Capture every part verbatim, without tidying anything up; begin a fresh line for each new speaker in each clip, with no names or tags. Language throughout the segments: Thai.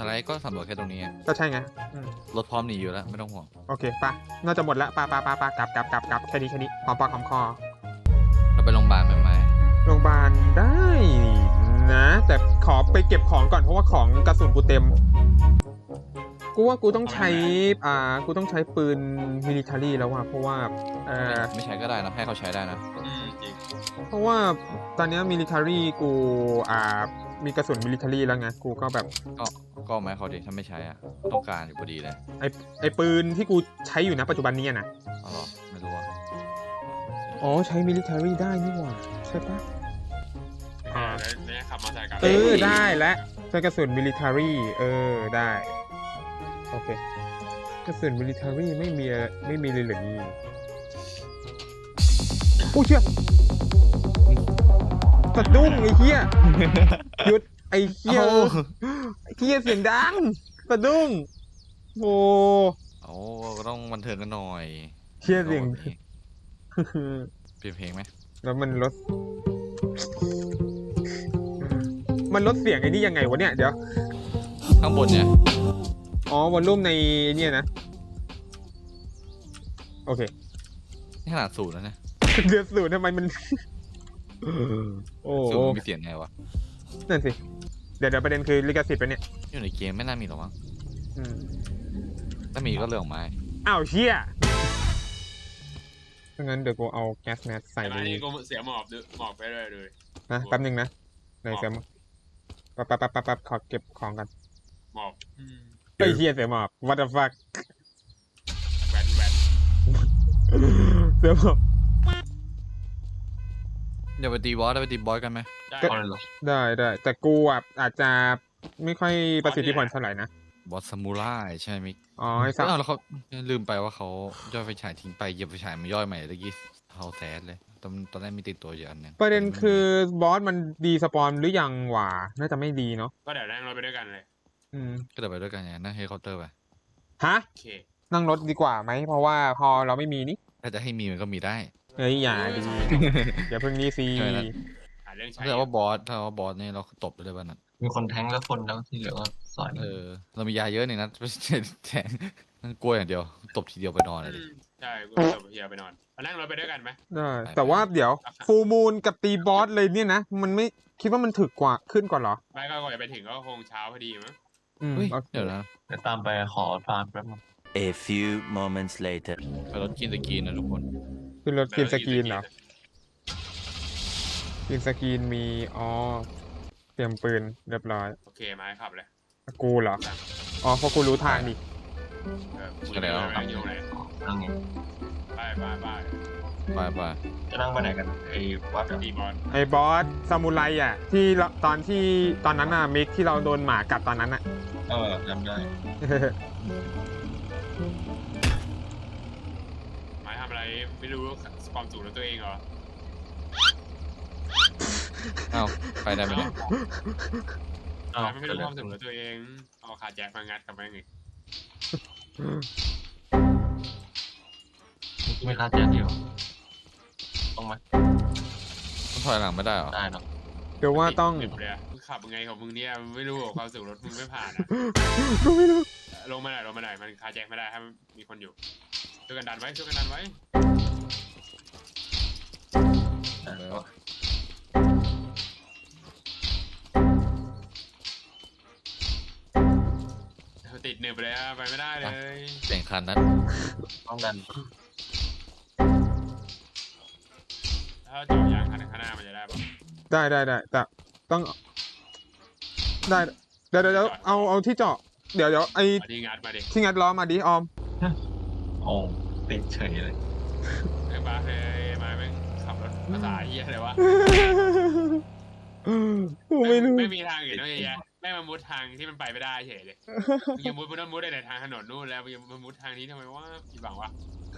อะไรก็สำรวจแค่ตรงนี้ไง
ก็ใช่ไงอืม
รถพร้อมหนีอยู่แล้วไม่ต้องห่วง
โอเคปะน่าจะหมดละปะปะปะปะกลับกลับกลับกลับแค่นี้แค่นี้หอมปากหอมคอ
เราไปโรงพยาบาลไหมไหม
โรงพยาบาลได้นะ แต่ขอไปเก็บของก่อนเพราะว่าของกระสุนกูเต็ม กูว่ากูต้องใช้อ่ากูต้องใช้ปืนมิลิเทอรี่แล้วว่ะเพราะว่าเอ่อ
ไม่ใช้ก็ได้นะให้เขาใช้ได้นะ
อืมจริง
เพราะว่าตอนเนี้มิลิเทอรี่กูอ่ามีกระสุนมิลิเทอรี่แล้วไงกูก็แบบ
ก็ก็เอาไหมเขาดิถ้าไม่ใช้อ่ะต้องการอยู่พอดีเลย
ไอไอปืนที่กูใช้อยู่นะปัจจุบันนี้อะนะ
เอาหรอไม่รู้อ่ะ
อ๋อใช้มิลิเทอรี่ได้นี่หว่าใช่ปะ
อ่าแล้วเนี่ยขับมอเตอร์ไซค์กลับ
เออได้และใช้กระสุนมิลิเทอรี่เออได้โอเคกระสุนมิลิเทอรี่ไม่มีไม่มีเลยเหรอนี่โอ้เชี่ยสะดุ้งไอ้เหี้ยหยุดไอ้เหี้ยไอ้เหี้ยเสียงดังสะดุ้งโอ้
โอ้ก็ต้องบันเทิงกันหน่อย
เหี้ยเสียง
เปลี่ยนเพลงไหม
แล้วมันลดมันลดเสียงไอ้นี่ยังไงวะเนี่ยเดี๋ยว
ข้างบนเนี่ย
อ๋อวอลลุ่มในเนี่ยนะโอเค
นี่ขนาดศูนย์แล้วนะ
เดือดสูดทำไมมัน โอ้
ศูนย์มันมีเสียงไงวะ
นั่นสิเดี๋ยวเดี๋ยวประเด็นคือลิขสิทธิ์ไปะเนี่ย
อยู่ในเกมไม่น่ามีหรอกมั้ง
อืม
ถ้ามีก็เรื่องของไม้
อ้าวเชี่ยถ้างั้นเดี๋ยวกูเอาแก๊สแมสใส่
แต่
ใน
มานี่กูเสียหมอบด้วยหมอบไปเลยเลย
นะแป๊บนึงนะไหนเสียหมอบปั๊บปั๊บปั๊บปั๊บปั๊บขอเก็บของกัน
หมอบอืม
ไอ้เหี้ยเสียหมอบ what the fuck
แวนแวน
เสียหมอบ
เดี๋ยวไปตีบอสได้ไปตีบอสกันไหม
ได้
ก็ ได้ได้แต่กูอ่ะอาจจะไม่ค่อยประสิทธิผลเท่าไหร่นะ
บอสซามูไรใช่ไหมมิก
อ๋อไอ้สัก
เอ้าแล้วเขาลืมไปว่าเขาย่อยไฟฉายทิ้งไปเหยียบไฟฉายมันย่อยใหม่ตะกี้เฮาแซดเลยตอนตอนแรกมีติดตัวอยู่อันหนึง
ประเด็นคือบอสมันดีสปอนหรือยังหว่าน่าจะไม่ดีเนาะ
ก็เดี๋ยวนั่งรถไปด้วยกันเลย
อืม
ก็เดี๋ยวไปด้วยกันอย่างนั้นนะเฮลิคอปเตอร์ไป
ฮะ
โอเค
นั่งรถดีกว่าไหมเพราะว่าพอเราไม่มีนี่
ถ้าจะให้มีมันก็มีได้
เฮ้ยอย่าดี อย่าเพิ่งนี้สิ
ใช่นะ
หาเรื่องใช้
ถ้าเกิดว่าบอสถ้าว่าบอสเนี่ยเราตบไปเลยวันนั้น
มีคนแทงแล้วคนแล้วที่เหลือก็สอย
เออเรามียาเยอะนี่นะไม่ใช่แทงนั่นกลัวอย่างเดียวตบทีเดียวไปนอนเลยดิ
อืมใช่กูจะเฮียไปนอนมานั่งรถไปด้วยกันไหม
ได้แต่ว่าเดี๋ยวฟูมูลกับตีบอสเลยเนี่ยนะ มันไม่คิดว่ามันถึกกว่าขึ้นกว่าเหรอ
ไม่ก็ก่อนจะไปถึงก็คงเช้าพอดีมั้ง
อืม
เฮ้ย
โอเค
เดี๋ยวนะ
เดี๋ยวตามไปขอฟาร์มแป๊บนึง
A few moments later.
ไปรถกินตะกีนนะทุกคน
ขึ้นรถกินสกรีนเหรอกินสกรีนมีอ๋อเตรียมปืนเรียบร้อย
โอเคมาให้ขับเลย
กูเหรออ๋อเพราะกูรู้ทางดิ
เออกูจะไปนั่งอยู่ไหน
นั่งไง
ไปไปไป
ไปไป
จะนั่งไปไหนกันไอ้วัดอะ
ตีบอล
ไอ้บอสซามูไรอ่ะที่เราตอนที่ตอนนั้นน่ะมิกที่เราโดนหมากัดตอนนั้นอ่ะ
เออจำได้
หมายทำอะไรไม่รู้ความสูงของตัวเองเหรอ
เอ้าไปได้ไหมเนี่ย
อ้าว
หมายไม่รู้ความสูงของตัวเองเอาขาแจ็คมางัดกับแม่งอีก
ไม่คาดแจ๊เดียวต้องไหม
มันถอยหลังไม่ได้เหรอ
ได้เนาะ
เดี๋ยวว่าต้อง
ติดเลยอะมึงขับยังไงของมึงเนี่ยไม่รู้หรอกความสูงรถมึงไม่ผ่านอะ
กูไม่รู้
ลงมาหน่อยลงมาหน่อยมันขาแจ็คไม่ได้ถ้ามีคนอยู่ช่วยกันดันไว้ช่วยกันดันไว้
ได้แล้ว
ติดหนึบเลยอะไปไม่ได้เลย
เสียงคันนั้น
ต้องดัน
ถ้าเจาะยางคันข้างหน้ามันจะได้ปะ
ได้ได้ได้แต่ต้องได้เดี๋ยวเดี๋ยวเดี๋ยวเอาเอาที่เจาะเดี๋ยวเดี๋ยวไอ้
เอาที่งัดมาดิ
ที่งัดล้อมาดิออม
โอ้ติดเฉยเลย
ไอ้บ้าเฮ้ยมาแม่งขับรถภาษาเฮียอะไรวะ
กูไม่รู้
ไม่มีทางอื่นนอกจากแม่งมามุดทางที่มันไปไม่ได้เฉยเลยมึงยังมุดมึงต้องมุดได้ในทางถนนนู่นแล้วมึงยังมามุดทางนี้ทำไมวะผิดหวังวะ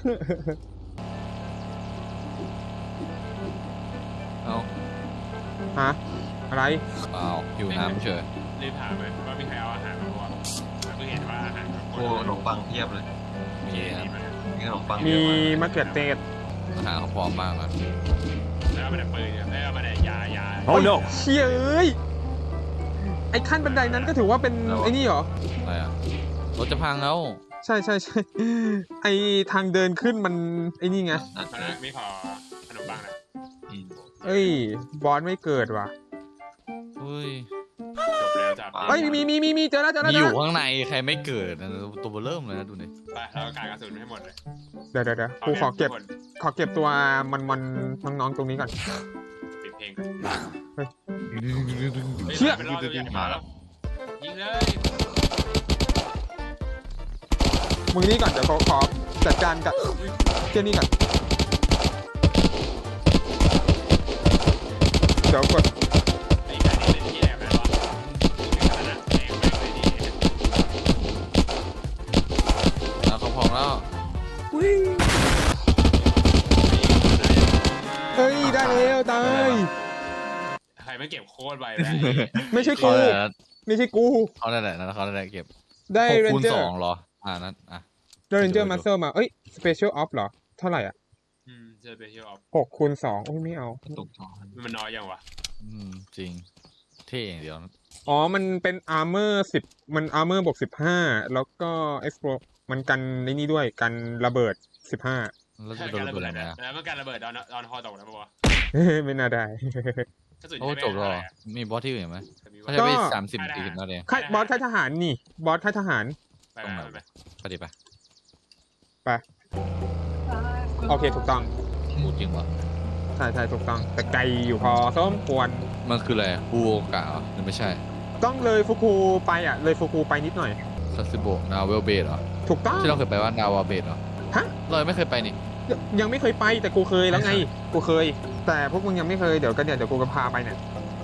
เอ้า
ฮะอะไร
เปล่าอยู่น้ำเฉย
รีบถามเลยว่ามีใครเอาอาหารมาบ้างเพิ่งเห็นว่าอาหารมัน
โอ้ขนมปังเพียบเลย
มีครับ
มีขนมปังเย
มี
อะมาก
มะเขือเทศ
อาหารเขาพร้อมมากครับ
แล้วมันแต่ปืนเนี่ยแล้วมันแต่ยายา
Oh no
เชี่ยเอ้ยไอ้ขั้นบันไดนั้นก็ถือว่าเป็นไอ้นี่เหรอ
อะไรอ่ะรถจะพังแล้ว
ใช่ใช่ใช่ไอทางเดินขึ้นมันไอ้นี่ไง
ตอนนั้นไม่ขอขนมปังนะ
อืม
เอ้ยบอสไม่เกิดว่ะ
เฮ้ย
จบแล้วจ้ะ
เอ้ยมีมีมีมีเจอแล้วเจอแล้ว
มี
เจ
อ
อยู่ แล้ว
ข้างในใครไม่เกิดนะตัวเบอร์เริ่มเลยนะดูดิ
ไปเรากางกระสุนให้หมดเลย
เดี๋ยวเดี๋ยวเดี๋ยวกูขอเก็บขอเก็บตัวมันมันน้องๆตรงนี้ก่อน
ปิดเพลงก่อน
เชี่ย
เป็นรอบตัวใหญ่มาแล้วยิงเลย
มึงนี่ก่อนเดี๋ยวขอขอจัดการกับเจ้านี่ก่อนเดี๋ยวกด
ไอ้การนี้เป็นที่แอบแล้ววะขนาดแรงมากเลยดี
แล้วเขาพองแล้ว
เฮ้ยได้แล้วตาย
ใครไม่เก็บโคตรไวแล้ว
ไม่ใช่
เขา
กู
ได้แหละ
ไม่ใช่กู
เขาได้แหละนะเขาได้แหละเก็บ
ได้
หก
เรน
คูณ
เจอ
ส
ร์
องเหรออ่านั้นอ่ะ
ได้เรนเจอร์มาสเตอร์มาเอ้ยสเปเชียลออฟเหรอเท่าไหร่อ่ะ
อืมเจอไปที่ออฟ
หกคูณสองโอ้ยไม่เอา
ตกท้อง
มันน้อยยังวะ
อืมจริงเท่อย่างเดียวนะ
อ๋อมันเป็นอาร์เมอร์สิบมันอาร์เมอร์บวกสิบห้าแล้วก็เอ็กซ์โมันกันในนี่ด้วยกันระเบิดสิบห้า
แล้วจะโดนระเบิดอะไรไหมอ่ะ
แล้วมันการระเบิดตอนตอนฮอตกนะปะวะ
ไม่น่าได้
กระสุน
โอ้
ใช้
จบแล้วเหรอ
ไม่ได้
มีบอสที่อื่นไหม
แต่มี
เขา
ว่า
ใช้ไป
ก็
สามสิบสี่สิบนาที
ค่ายบอสค่ายทหารนี่ บอสค่ายทหาร
ไปไปไป
ไปดิไป
ไป โอเคถูกต้อง
พูดจริงวะ
ใช่ใช่ถูกต้อง แต่ไกลอยู่พอสมควร
มันคืออะไรฟูโอกะเหรอหรือไม่ใช่
ต้องเลยฟุคูไปอ่ะ เลยฟุคูไปนิดหน่อย
ซาซิโบะนาวเวลเบดเหรอ
ถูกต้อง
ที่เราเคยไปว่านาวาเบดเหรอ
ฮะ
เรายังไม่เคยไปนี่
ยังยังไม่เคยไปแต่กูเคยแล้วไง กูเคย แต่พวกมึงยังไม่เคยเดี๋ยวกันเนี่ยเดี๋ยวกูจะพาไปเนี่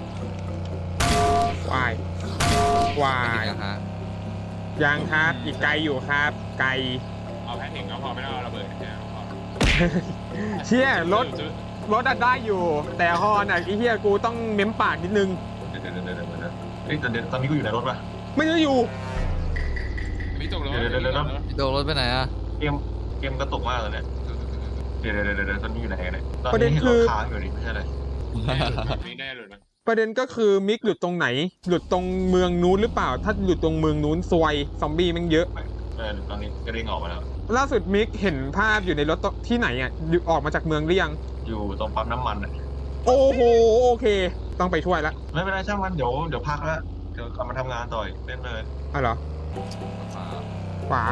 ยวายวา
ไป
ย
กันฮะ
ยังครับอีกไกลอยู่ครับ ไกล
เอาแพทถึงก็พอไม่ต้องเอาระเบิดแค่พอ
เชี่ยรถรถอะได้อยู่ แต่ฮอนอ่ะไอ้เหี้ยกูต้องเม้มปากนิดนึง
เดี๋ยวเดี๋ยวเดี๋ยวเดี๋ยวเดี๋ยวเฮ้ยแต่เดี๋ยวตอนนี้กูอยู่ในรถป่ะ
ไม่ได้อยู่
มีตกรถ
เดี๋ยวเดี๋ยวเดี๋ยว
พี่โดนรถไปไหนอ่ะ
เกมเกมกระตุกมากเลยเนี่ยเดี๋ยวเดี๋ยวเดี๋ยวเดี๋ยวตอนนี้อยู่ไหนกันเนี่ยตอน
ประเด็น
นี้
คือ
รถค้างอยู่นี่ไม่ใช่เลย
ไม่ได้หลุดนะ
ประเด็นก็คือมิกหลุดตรงไหน หลุดตรงเมืองนู้นหรือเปล่า ถ้าหลุดตรงเมืองนู้นซวยซอมบี้แมันเยอะ
เออตอนนี้ก็เด้งออกมาแล้ว
ล่าสุดมิกเห็นภาพอยู่ในรถที่ไหนอ่ะอยู่ออกมาจากเมืองหรือยัง
อยู่ตรงปั๊มน้ำมันอ่ะ
โอ้โหโอเค ต้องไปช่วยละ
ไม่เป็นไรช่างมันเดี๋ยวเดี๋ยวพักแล้วเดี๋ยวกลับมาทำงานต่ออีกเล่นเลย
อ่ะเหรอ ขวา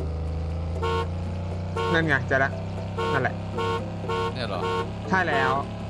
นั่นไงเจอละนั่นแหละ
เนี่ยเหรอ
ใช่แล้ว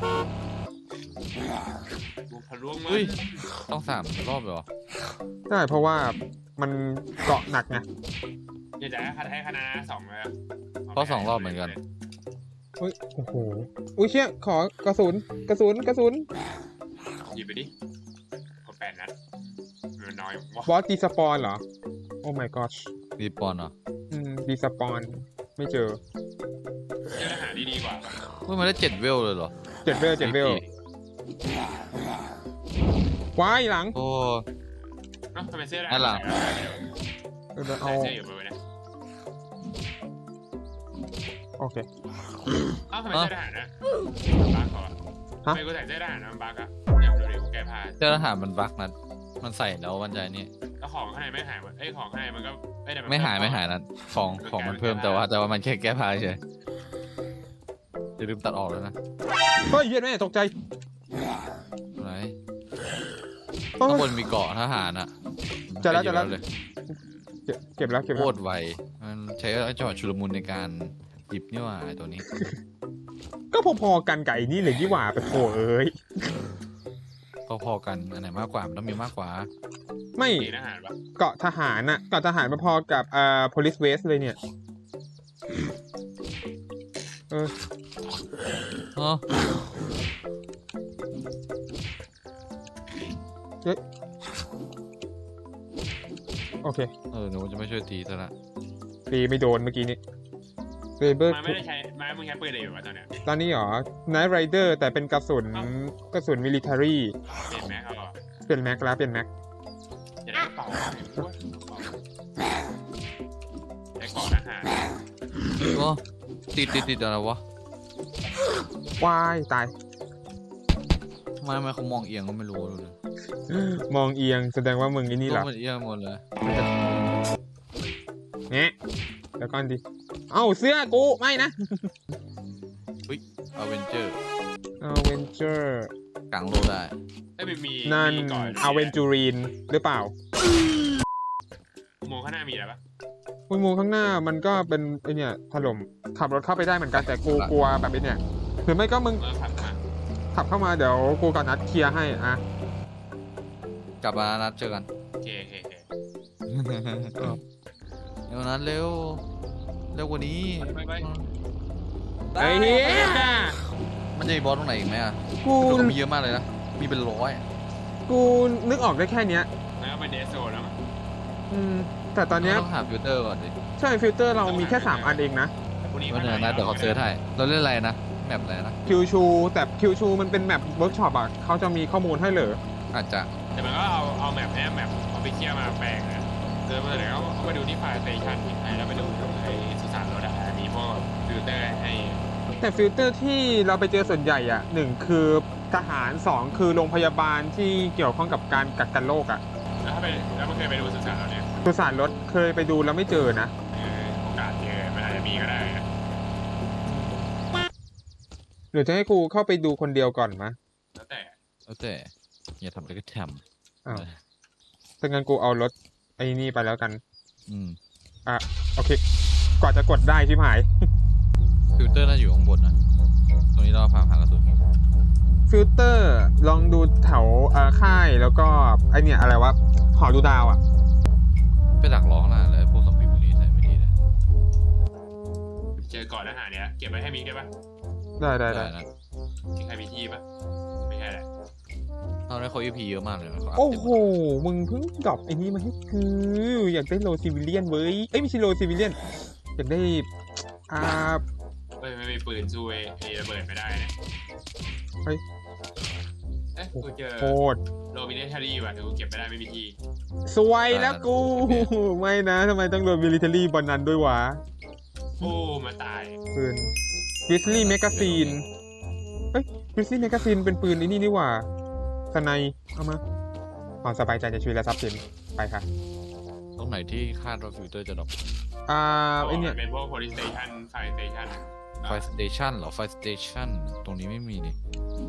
บุกทะลวงมา
เฮ้ยต้องสามรอบเลยเหรอ
ใช่เพราะว่ามันเกาะหนักไง
อยากจะให้ให้คณะสองเลย
เพราะสองรอบเหมือนกัน
เฮ้ยโอ้โหอุ้ยเชี่ยขอกระสุนกระสุนกระสุน
หยิบไปดิพอแปดนัดมันน้อยวะ
บอสดีสปอนเหรอ โอ้ my gosh
รีปอนเหรอ
อืมดีสปอนไม่เจอ
เจอทหารดีๆกว่า
เฮ้ยมันได้เจ็ดเวลเลยเหรอ
เจ็ดเวลเจ็ดเวลว้ายหลัง
โอ้
เนาะทำไมเสื้อ
อันหลัง
เออเอา
ใส่เสื้ออยู่ไปเนี่ย
โอเค
เอ้าทำไมเสื้อทหารนะบักเหรอ
ฮะ
ทำไมกูใส่เสื้อทหารนะมันบักอะอยากดูดิกูแก้ผ้า
เจ้าทหารมันบักนะมันใส่แล้ววันใจนี่
แล้วของข้างในไม่หายเอ้ยของข้างในมันก็เอ้ยแต่น
ไม่หายไม่หายนะของของมันเพิ่มแต่ว่าแต่ว่ามันแค่แก้ผ้าเฉยอย่าลืมตัดออกแล้วนะ
เฮ้ยเหี้ยแม่ตกใจ
อะไร
โอ้ย
ข้างบนมีเกาะทหารอ่ะ
จะแล้วจะแล้ว
เลย
เก็บเก็บแล้วเก็บ
โค
แล้ว
ตรไวมันใช้จังหวะชุลมุนในการหยิบนี่หว่าไอ้ตัวนี้
ก็พอๆกันกับไอ้นี่เลยที่หว่าไปโถเอ้ย
พอๆกันอันไหนมากกว่ามันต้องมีมากกว่า
ไม่
ดีทหารปะ
เกาะทหารน่ะเกาะทหารพอๆกับอ่า police waste เลยเนี่ยเออ
อ๋อ
โอเค
เออหนูจะไม่ช่วยตีซะละ
ตีไม่โดนเมื่อกี้นี้เรเบอร์
มาไม่ได้ใช้มามึงใช้ปืนอะไรอยู่วะตอนเนี้ย
ตอนนี้เหรอ Night Rider แต่เป็นกระสุนกระสุน military
เปลี่ยนแม็กเอาเหรอ
เปลี่ยนแม็กแล้วเปลี่ยนแม็ก
จะได้กระเป๋าได้เกาะทหาร
โอ้ติดติดติดอะไรวะ
วายตาย
ทำไมทำไมเขามองเอียงก็ไม่รู้เลย
มองเอียงแสดงว่ามึงไอ้นี่เหรอ
มันเอียงหมดเลย
แงะแล้วก่อนดิเอ้าเสื้อกูไม่นะ
อเวนเจอร์
อเวนเจอร์
กลางโลกได้
ไอ้ยมันมี
นั่น
มีก่อน
อเวนจูรีนหรือเปล่า
อุโมงค์ข้างหน้ามีอะไรปะ
อุโมงค์ข้างหน้ามันก็เป็นไอเนี่ยถล่มขับรถเข้าไปได้เหมือนกันแต่กูกลัวแบบไอเนี่ยหรือไม่ก็มึง
เมื่อขับมา
ขับเข้ามาเดี๋ยวกูกับนัดเคลียร์ให้อ่ะ
กลับมานัดเจอกัน
โอเคโอเคโอเค
เดี๋ยวนัดเร็วเร็วกว่านี้
ไปไป
ไอ้เหี้ย
มันจะมีบอสตรงไหนอีกไหมอ่ะ
กู
ดูมีเยอะมากเลยนะมีเป็นร้อย
กูนึกออกได้แค่เนี้ย
แล้วไปเดสโซนแล้วมั้ง
อืมแต่ตอนเนี้ย
ต้องหาฟิลเตอร์ก่อนดิ
ใช่ฟิลเตอร์เรามีแค่สามอันเองนะ
พรุ่งนี้
ว่าเดี๋ยวนะเดี๋ยวเขาเซิร์ชให้เราเล่นอะไรนะแมปอะไรนะ
คิวชูแต่คิวชูมันเป็นแมปเวิร์กช็อปอ่ะเขาจะมีข้อมูลให้เหรอ
อาจจะ
แต่มันก็เอาเอาแมปแอปแมปเอาไปเที่ยวมาแปลงนะเดินมาเลยแล้วก็ไปดูที่ไฟล์สเตชันที่ไทยแล้วไปดูไอ้สุสานรถอะมีพวกฟิลเตอร์ให้
แต่ฟิลเตอร์ที่เราไปเจอส่วนใหญ่อ่ะหนึ่งคือทหารสองคือโรงพยาบาลที่เกี่ยวข้องกับการกักกันโรคอ่ะ
แล้วถ้าไปแล้วมันเคยไปดูสุสานเราเนี่ย
สุสานรถเคยไปดูแล้วไม่เจอนะ
เออโอกาสเจอมันอาจจะมีก็ได้นะ
หรือจะให้กูเข้าไปดูคนเดียวก่อนมะ
แล้วแต่
แล้วแต่อย่าทำอะไรก็ท
อ้าว
ำ
ถ้างั้นกูเอารถไอ้นี่ไปแล้วกัน
อืม
อ่ะโอเค กว่าจะกดได้ชิบหาย
ฟิลเตอร์น่าอยู่ข้างบนนะตรงนี้เราพาพากระสุน
ฟิลเตอร์ลองดูแถวเอ่อค่ายแล้วก็ไอเนี่ยอะไรวะหอดูดาวอ่ะ
ไปดักร้องน่ะเลยพวกซอมบี้พวกนี้ใส่ไม่ดีเลย
เจอก่อนอาหารเนี้ยเก็บไว้ให้มิกได้ปะ
ได้ได้ได้
นะ
มีใครมีที่ปะไม่ใช่แหละ
ตอนนี้เขา อี พี เยอะมากเลยนะเขาอัพ
โอ้
เต็ม
โห มึงเพิ่งดรอปไอ้นี่มาให้กูอยากได้โลซิวิเลียนเว้ยเอ้ยไม่ใช่โลซิวิเลียนอยากได้อ่า
เฮ้ยไม่มีปืนสู้ไอ้ไอ้ระเบิดไม่ได้นะ
เฮ้ย
เอ๊ะกูเจอ
โคตร
โรบินเนทารี่ว่ะแต่กูเก็บไม่ได้ไม่มีที่
สวยแล้วกู ไม่นะทำไมต้องโดนมิลิเทอรี่บนนั้นด้วยวะ
โอ้มาตาย
ปืนวิสลี่แมกกาซีนเอ้ยวิสลี่แมกกาซีนเป็นปืนไอ้นี่นี่หว่าสไนเอามาความสบายใจในชีวิตและทรัพย์สินไปค่ะ
ตรงไหนที่คาดว่าฟิลเตอร์จะดรอป
อ่าไอเนี่ย
เป็นพวก police station fire station
ไฟสเตชันเหรอไฟสเตชันตรงนี้ไม่มีนี่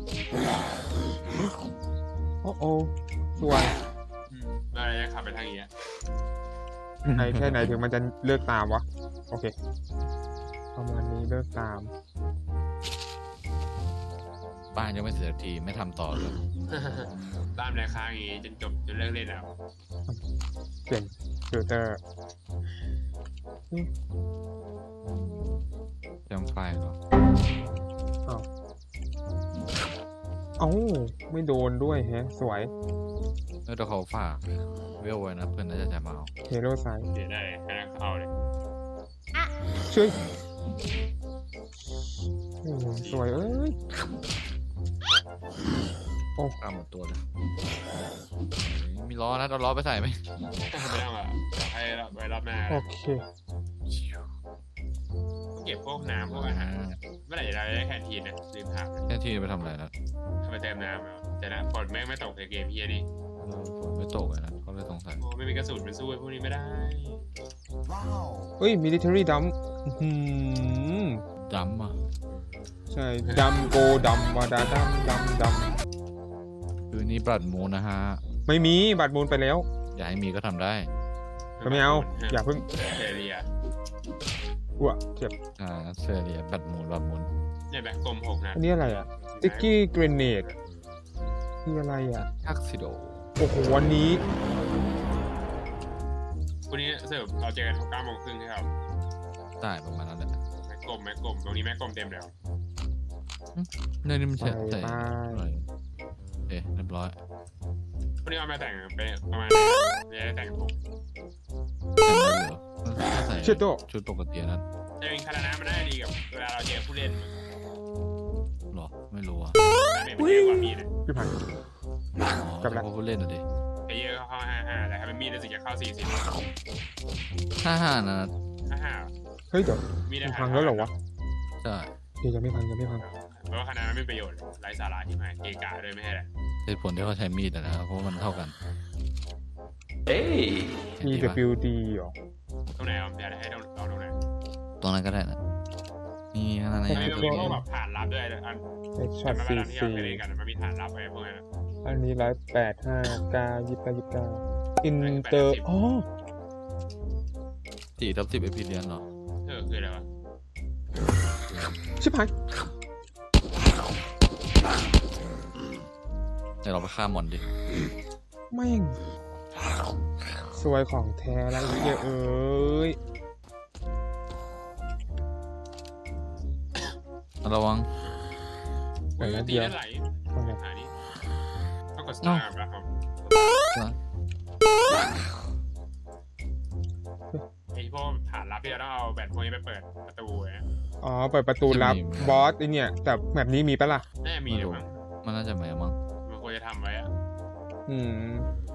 โอ้โอ้สวย
อืมแล้วเราจะขับไปทางนี้อะ
ไอแค่ไหนถึงมันจะเลิกตามวะ โอเค ประมาณนี้เลิกตาม
บ้านยังไม่เสร็จสักทีไม่ทำต่อเลย
ตามแรงค้างอย่างงี้จนจบจนเลิกเล่นแล้ว
เปลี่ยนฟิลเตอร์
จำไฟล์เหรอ
เอ้าไม่โดนด้วยแฮะ สวย
เออเดี๋ยวเขาฝากเวลไว้นะเพื่อนน่าจะจะมาเอา
เฮโร่ไซด์
เดี๋ยวได้ให้นักเข้าเลย
ช่วยโอ้โหสวยเอ้ย โอ้
กล้าหมดตัวเลยมีล้อนะเอาล้อไปใส่ไหม
ไม่ต้องอ่ะเดี๋ยวให้ไว้รอบหน้า
โอเค
เก็บพวกน้ำพวกอาหารเมื่อไหร่จะได้แคนทีนนะลืมถาม
แค่ที่ไปทำอะไรนะ
ทำไมเติมน้ำแล้วจะนะฝนแม่งไม่ตกในเกมเฮียนี่
เออฝนไม่ตกเลยนะเขาเลยสงสัย
โอ้ไม่มีกระสุนมันสู้ไอ้พวกนี้ไม่ได้
เฮ้ย มิลิเทอรี่ดัมอืม
ดำอ่ะ
ใช่ดัมโกดัมวาดาดัมดัมดัม
คือนี้บลัดมูนนะฮะ
ไม่มีบัตรมูลไปแล้ว
อยากให้มีก็ทำได้
ก็ไม่เอา อย่าเพิ่ง
เซเรีย
อ้วกเจ็บ
อ่าเซเรียบลัดมูนบลัดมูน
เนี่ยแบกกลมหกนะ
อันนี้อะไรอ่ะติกกี้เกรเนดคืออะไรอ่ะ
ทักซิโด
โอ้โหวันนี้
วันนี้เสิร์ฟเราเจอกันเก้าโมงครึ่งใช่ครับ
ได้ประมาณนั้นแหละ
แม็กกลมแม็กกลมตรงนี้แม็กกลมเต็มแล้ว
เนี่ยนี่มันใช่
ไป
ใส่
ไป
อะไรโอเคเรียบร้อย
วันนี้เอามาแต่งเป็นประมาณไม่ได้แต่งถูก
เต็มเลยเหรอถ้าใส่
เชิดโต
ชุดปกตินั้น
แต่เป็นคารานะมันน่าจะดีกับเวลาเราเจอผู้เล่น
หรอไม่รู้อ่ะ
ดาเมจมันเยอะกว่ามีดนะ
พี่พัน
อ๋อ
จบละ
เฉพาะผู้เล่นอ่ะดิ
เพเยอร์เข้าห้าห้าแต่ถ้าเป็นมีดรู้สึกจะเข้าสี่สิบ
ห้าห้านะ
ห้าห้า
เฮ้ยเดี๋ยว
มีด
มัน
อาหาร
พังแล้วเหรอวะ
ใช่
เดี๋ยวยังไม่พังยังไม่พัง
มราะว่าคะแนนมันไม่มีประโยชน์ไร้สาระที่หมายเกกาด้วยไม่ใช่แหละ
เหตุผลที่เขาใช้มีดอะนะครับเพราะว่ามันเท่ากัน
Hey!
เห็น
มี
ดี
แต่
ปะ
ฟิวดีเหรอ
ตรงไหนเอาอยากให้เราเราตรงไหน
ตรงนั้นก็ได้นะนี่นั่น
มัน
นี่
มีพวกแบบฐานลับด้วยอัน
เอ็กช็อต
มัน
ซี
มาที่เรา
ซี
ไปเล่นกันมันมีฐานลับไอ้พวกนั้น
อันนี้ร้อยแปดห้าเก้ายี่สิบเก้ายี่สิบเก้าอินเตอร์อ๋อ
สี่ทับสิบเอพีเดียนเหรอ
เออคืออะไรวะ
ชิบหาย
เดี๋ยวเราไปฆ่ามอนดิ
แม่งสวยของแท้แล้วไอ้เหี้ยเอ้ย
ระวัง
แต่
เฮ้ย
ละ
ตี
เดียว
ได้ไหล
ทำไม
หานี่ต้องกดสตาร์ทก่อนครับไอ้พวกฐานลับที่เราต้องเอาแบตพวกนี้ไปเปิดประตูนะ
อ๋อเปิดประตูลับบอสไอเนี่ย แต่แบบนี้มีปะล่ะ
น่าจะมีเดี๋ยวมั้ง
มันน่าจะไม่มั้ง
มันควรจะทำไว้อะ
อืม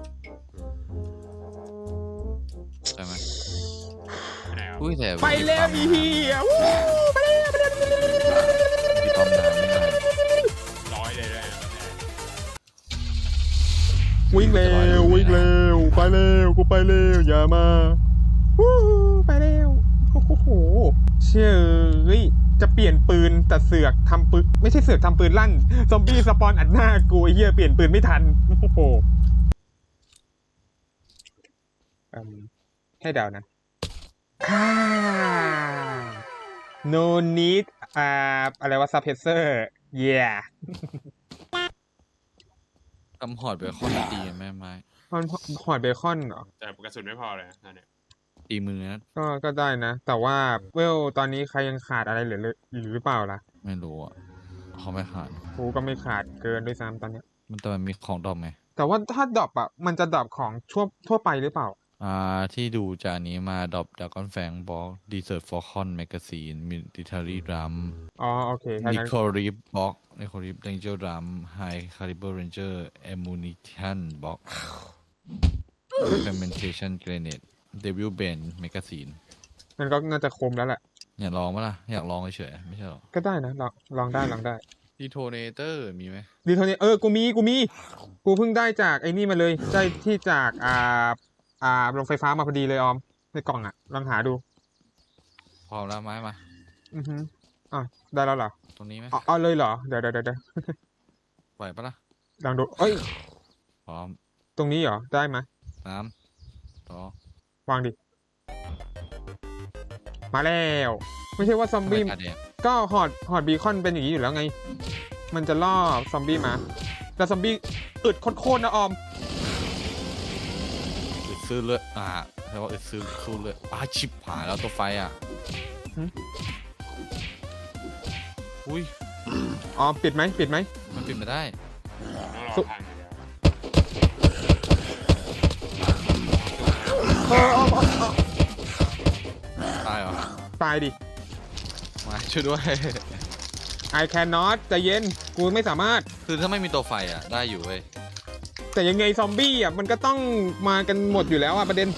ใช่ไหม
ไม่ไหนวะ
อุ้ยแต่
ไปแล้วอีเหี้ยวู้ไปแล้วไปแล้ว
มีความนานไม่ได้
ร้อยเลยด้วย
วิ่งเร็ววิ่งเร็วไปเร็วกูไปเร็วอย่ามาวู้ไปเร็วโอ้โหเชื่อเฮ้ยจะเปลี่ยนปืนแต่เสือกทำปืนไม่ใช่เสือกทำปืนลั่นซอมบี้สปอนอัดหน้ากูไอ้เหี้ยเปลี่ยนปืนไม่ทันโอ้โหอืมให้เดานะอ่า no need อ่าอะไรวะ suppressor yeah
ทำหอดเบคอนตีแม่ไม้
ฮอนหอดเบคอนเหรอ
แต่กระสุนไม่พอเลยนะตอนเนี้ย
ตีมือนะ
ก็ก็ได้นะ แต่ว่าเวลตอนนี้ใครยังขาดอะไรเหลือหรือเปล่าล่ะ
ไม่รู้อ่ะเขาไม่ขาด
กูก็ไม่ขาดเกินด้วยซ้ำตอนเนี้ย
มันแต่มันมีของดอมไหม
แต่ว่าถ้าดรอปอ่ะมันจะดรอปของทั่วทั่วไปหรือเปล่า
อ่าที่ดูจากนี้มาดอปดากอนแฟงบอกดีเซอร์ฟอร์คอนแมกกาซีนมิลิทารีดรัม
อ๋อโอเคถ้า
นิ
งั้น
โคริปบ็อกนิโคริปเรนเจอร์ดรัมไฮคาลิเบอร์เรนเจอร์แอมูนิชันบ็อกเฟมเมนเทชันเกรเนตเดวิลเบนแมกกาซีน
มันก็น่าจะคมแล้วแหละ
อยากลองไหมล่ะ อยากลองเฉยๆไม่ใช่หรอ
ก็ได้นะลองลองได้ลองได้
ดีโทเนเตอร์มีไหม
ดีโทนี่เออกูมีกูมีกูเพิ่งได้จากไอ้นี่มาเลยได้ที่จากอ่าอ่าโรงไฟฟ้ามาพอดีเลยออมในกล่องอ่ะลองหาดู
พร้อมแล้วไม้มา
อือฮึอ่ะได้แล้วเหรอ
ตรงนี้ไหม
เอาเอาเลยเหรอเดี๋ยวเดี๋ยวเดี๋ยวเดี๋ยว
ไหวปะล่ะ
ลองดูเอ้ย
พร้อม
ตรงนี้เหรอได้ไหม
สามสอง
วางดิ มาแล้ว ไม่ใช่ว่าซอม
ทำไม
บี้
ตาแดง
ก็หอดหอดบีคอนเป็นอย่างนี้อยู่แล้วไง มันจะล่อซอมบี้มา แต่ซอมบี้อึดโคตรๆนะออม
อึดซื้อเลือดอ่าแปลว่าอึดซื้อสู้เลือดอ่าชิบหายแล้วตัวไฟอ่ะ
หึ
อุ้ย
ออมปิดไหมปิดไหม
มันปิดไม่ได้
ต้องรอพังอย่างเดียว
เออออมออมออม
ตายเหรอ
ตายดิ
มาช่วยด้วย
I cannot ใจเย็น กูไม่สามารถ
คือถ้าไม่มีตัวไฟอ่ะ ได้อยู่เว้ย
แต่ยังไงซอมบี้อ่ะมันก็ต้องมากันหมดอยู่แล้วอ่ะประเด็น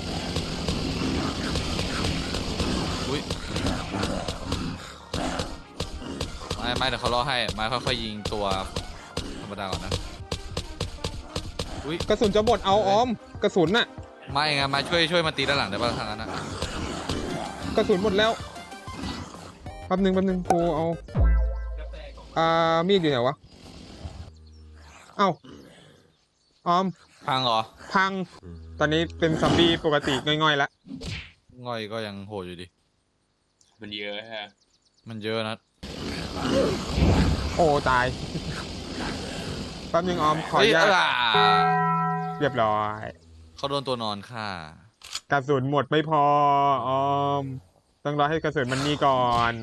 อุ้ยไม่ไม่เดี๋ยวเขารอให้ไม้ค่อยๆยิงตัวธรรมดาก่อนนะอุ้ย
กระสุนจะหมดเอาออม กระสุนน่ะ
ไม่ไงมาช่วยช่วยมาตีด้านหลังได้ป่ะทางนั้นนะ
กระสุนหมดแล้วแป๊บนึงแป๊บนึงกูเอาอ่ามีดอยู่ไหนวะ เอ้าออม
พังเหรอ
พัง ตอนนี้เป็นซอมบี้ปกติง่อยๆแล้ว
ง่อยก็ยังโหดอยู่ดิ
มันเยอะฮะ
มันเยอะนะ
โอ้ตาย แป๊บนึงออมขออนุญาต
เฮ้ยอ่า
เรียบร้อย
เขาโดนตัวนอนฆ่าก
ระสุนหมดไม่พอออม ต้องรอให้กระสุนมันมีก่อน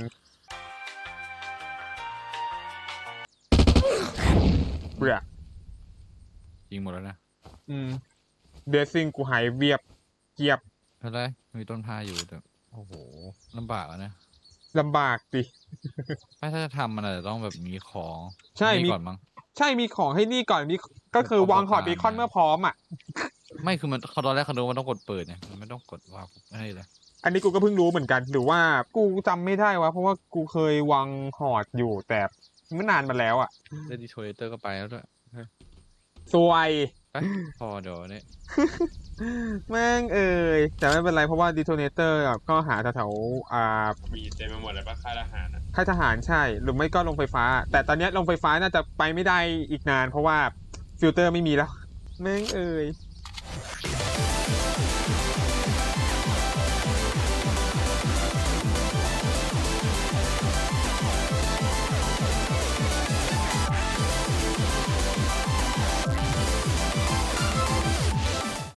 เบื่อ
ยิงหมดแล้วนะ
อืมเบสซิ่งกูหายเวียบเกียบ
เท่าไรมีต้นพาอยู่แต่โอ้โหลำบากอะนะ
ลำบากดิ
ไม่ถ้าจะทำมันอาจจะต้องแบบมีของ
ใช่
นี่
มี
ก่อนมั้ง
ใช่มีของให้นี่ก่อนมีก็คือวางหอดบีคอนเมื่อพร้อมอ่ะ
ไม่คือมันเขาตอนแรกเขาดูว่ามันต้องกดเปิดเนี่ยมันไม่ต้องกดวางให้เลย
อันนี้กูก็เพิ่งรู้เหมือนกัน หรือว่ากูจำไม่ได้วะเพราะว่ากูเคยวางหอดอยู่แต่เมื่อนานมาแล้วอ่ะ
เล่นดีโทเรเตอร์ก็ไปแล้วด้วย
สวย
ไปพอเดี๋ยวเนี่ย
แม่งเอ่ยแต่ไม่เป็นไรเพราะว่าดีโทเนเตอร์ก็หาแถวๆอ่า
มีเต็มไปหมดเลยปะค่ายทหารอ่ะ
ค่ายทหารใช่ หรือไม่ก็ลงไฟฟ้า แต่ตอนเนี้ยลงไฟฟ้าน่าจะไปไม่ได้อีกนาน เพราะว่าฟิลเตอร์ไม่มีแล้ว แม่งเอ่ย